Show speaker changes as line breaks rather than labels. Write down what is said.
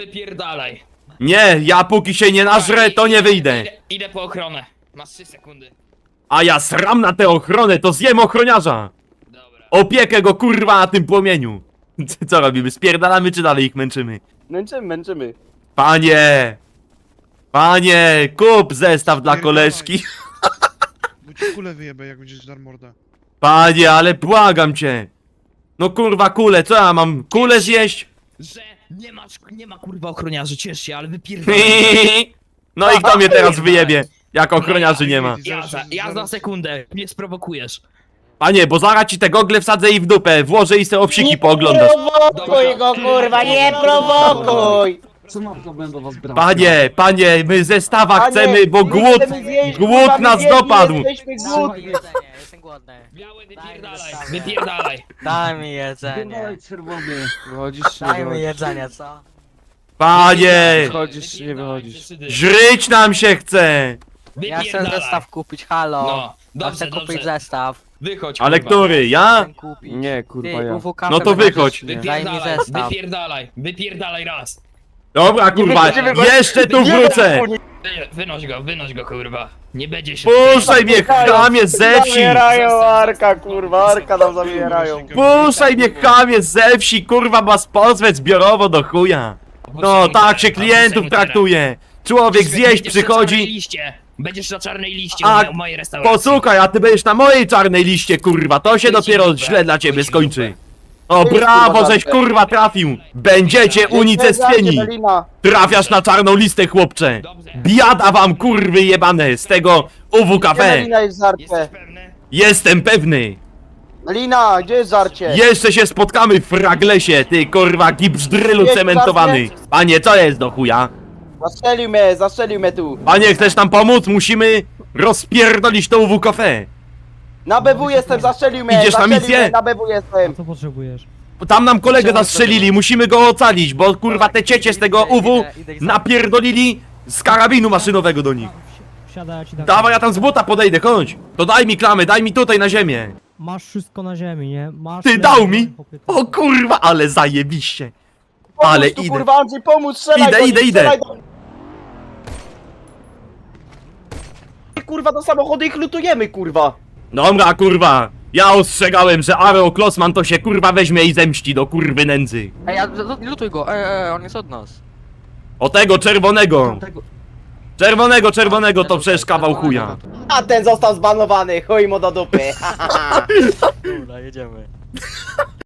Wypierdalaj.
Nie, ja póki się nie nażrę, to nie wyjdę.
Idę po ochronę. Masz 3 sekundy.
A ja sram na tę ochronę, to zjem ochroniarza.
Dobra.
Opiekę go kurwa na tym płomieniu. Co robimy, spierdalamy czy dalej ich męczymy?
Męczymy.
Panie! Panie, kup zestaw dla koleżki.
Bo ci kulę wyjebę, jak będziesz dar mordę.
Panie, ale błagam cię. No kurwa kule, co ja mam? Kulę zjeść?
Że nie ma kurwa ochroniarzy, ciesz się, ale wypierdalaj.
No i kto mnie teraz wyjebie, jak ochroniarzy nie ma?
Ja za sekundę, mnie sprowokujesz.
Panie, bo zaraz ci te gogle wsadzę i w dupę, włożę i se obsiki pooglądasz.
Prowokuj go, kurwa, nie prowokuj!
Co mam problem do was brać?
Panie, my zestawa
Panie,
chcemy, bo
my
głód,
chcemy zjeść,
głód
kurwa, my
nas
zjedli,
dopadł.
Jesteśmy głodni.
Jestem głodny.
Biały, wypierdalaj, wypierdalaj.
Daj mi jedzenie.
Dawaj czerwony.
Wychodzisz czy
Daj mi jedzenie, co?
Panie,
Wychodzisz czy nie wychodzisz?
żryć nam się chce.
Ja chcę
Wypierdalaj.
zestaw kupić, halo.
No,
Ja chcę
dobrze,
kupić
dobrze.
zestaw.
Wychodź,
Ale
kurwa.
który, ja?
Chcę kupić.
Nie, kurwa,
Ty,
ja.
UWK
No to
będziesz-
wychodź.
Daj mi
Wypierdalaj,
zestaw.
wypierdalaj raz.
Dobra kurwa, jeszcze tu wrócę.
Wynoś go kurwa. Nie będzie się...
Puszczaj mnie, chamie ze wsi.
Zabierają Arka, kurwa, Arka nam zabierają.
Puszczaj mnie, chamie ze wsi, kurwa, ma pozwę zbiorowo do chuja. No, tak się klientów traktuje. Człowiek zjeść przychodzi.
Będziesz na czarnej liście
A,
u mojej restauracji.
Posłuchaj, a ty będziesz na mojej czarnej liście, kurwa, to się dopiero źle dla ciebie skończy. O, brawo, żeś kurwa trafił. Będziecie unicestwieni.
Melina.
Trafiasz na czarną listę, chłopcze. Biada wam, kurwy jebane, z tego
Gdzie
UWKP.
Melina jest żarcie?
Jesteś pewny?
Jestem pewny.
Melina, gdzie jest żarcie?
Jeszcze się spotkamy w fraglesie, ty kurwa gipsdrylu
Jest
cementowany.
żarcie?
Panie, co jest do chuja?
Zastrzelił mnie tu.
Panie, chcesz nam pomóc? Musimy rozpierdolić to UWKP.
Na BW jestem, zastrzelił mnie.
Idziesz na
zastrzelił
misję?
mnie, Na BW jestem.
Co potrzebujesz?
Tam nam kolegę zastrzelili, musimy go ocalić, bo kurwa te ciecie z tego UW napierdolili z karabinu maszynowego do nich.
Wsiadaj, ja ci dam.
Dawaj, ja tam z buta podejdę, chodź. To daj mi klamy, daj mi tutaj na ziemię.
Masz wszystko na ziemi, nie? Masz...
Ty dał mi? O kurwa, ale zajebiście.
Pomóż
Ale
tu,
idę.
kurwa, Andrzej, pomóż, strzelaj
Idę,
do nich,
idę, idę.
strzelaj do nich. Kurwa, do samochodu ich lutujemy, kurwa.
Dobra, kurwa. Ja ostrzegałem, że Areo Klosman to się kurwa weźmie i zemści do kurwy nędzy.
Ej, lutuj go, on jest od nas.
O tego czerwonego. Czerwonego to przecież kawał chuja.
A ten został zbanowany, chuj mu do dupy.
Dobra, jedziemy.